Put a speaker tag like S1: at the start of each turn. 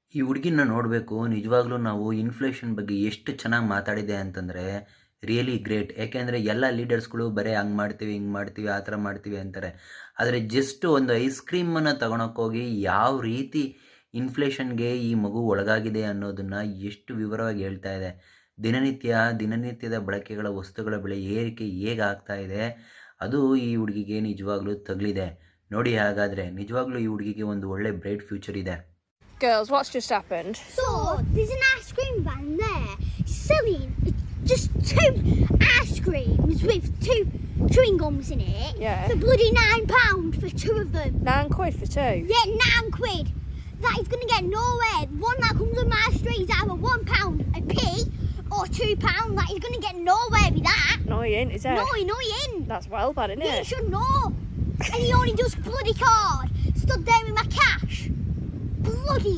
S1: ಈ ಹುಡುಗಿನ ನೋಡಬೇಕು. ನಿಜವಾಗ್ಲೂ ನಾವು ಇನ್ಫ್ಲೇಷನ್ ಬಗ್ಗೆ ಎಷ್ಟು ಚೆನ್ನಾಗಿ ಮಾತಾಡಿದೆ ಅಂತಂದರೆ ರಿಯಲಿ ಗ್ರೇಟ್. ಯಾಕೆಂದರೆ ಎಲ್ಲ ಲೀಡರ್ಸ್ಗಳು ಬರೀ ಹಂಗೆ ಮಾಡ್ತೀವಿ, ಹಿಂಗೆ ಮಾಡ್ತೀವಿ, ಆ ಥರ ಮಾಡ್ತೀವಿ ಅಂತಾರೆ. ಆದರೆ ಜಸ್ಟ್ ಒಂದು ಐಸ್ ಕ್ರೀಮನ್ನು ತಗೊಳಕ್ಕೋಗಿ ಯಾವ ರೀತಿ ಇನ್ಫ್ಲೇಷನ್ಗೆ ಈ ಮಗು ಒಳಗಾಗಿದೆ ಅನ್ನೋದನ್ನು ಎಷ್ಟು ವಿವರವಾಗಿ ಹೇಳ್ತಾ ಇದೆ. ದಿನನಿತ್ಯದ ಬಳಕೆಗಳ ವಸ್ತುಗಳ ಬೆಲೆ ಏರಿಕೆ ಹೇಗೆ ಆಗ್ತಾ ಇದೆ, ಅದು ಈ ಹುಡುಗಿಗೆ ನಿಜವಾಗ್ಲೂ ತಗಲಿದೆ. ನೋಡಿ, ಹಾಗಾದರೆ ನಿಜವಾಗ್ಲೂ ಈ ಹುಡುಗಿಗೆ ಒಂದು ಒಳ್ಳೆ ಬ್ರೈಟ್ ಫ್ಯೂಚರ್ ಇದೆ.
S2: Girls, what's just happened?
S3: So, there's an ice cream van there selling just 2 ice creams with 2 chewing gums in it.
S2: Yeah.
S3: For bloody £9 for 2 of them.
S2: £9 for 2?
S3: Yeah, £9. That is going to get nowhere. One that comes on my street is either £1 a p or £2. That is going to get nowhere with that.
S2: No, he ain't, is it?
S3: No, he ain't.
S2: That's well bad, isn't
S3: He
S2: it?
S3: should know. And he only does bloody card. Stood there with my cash. Bloody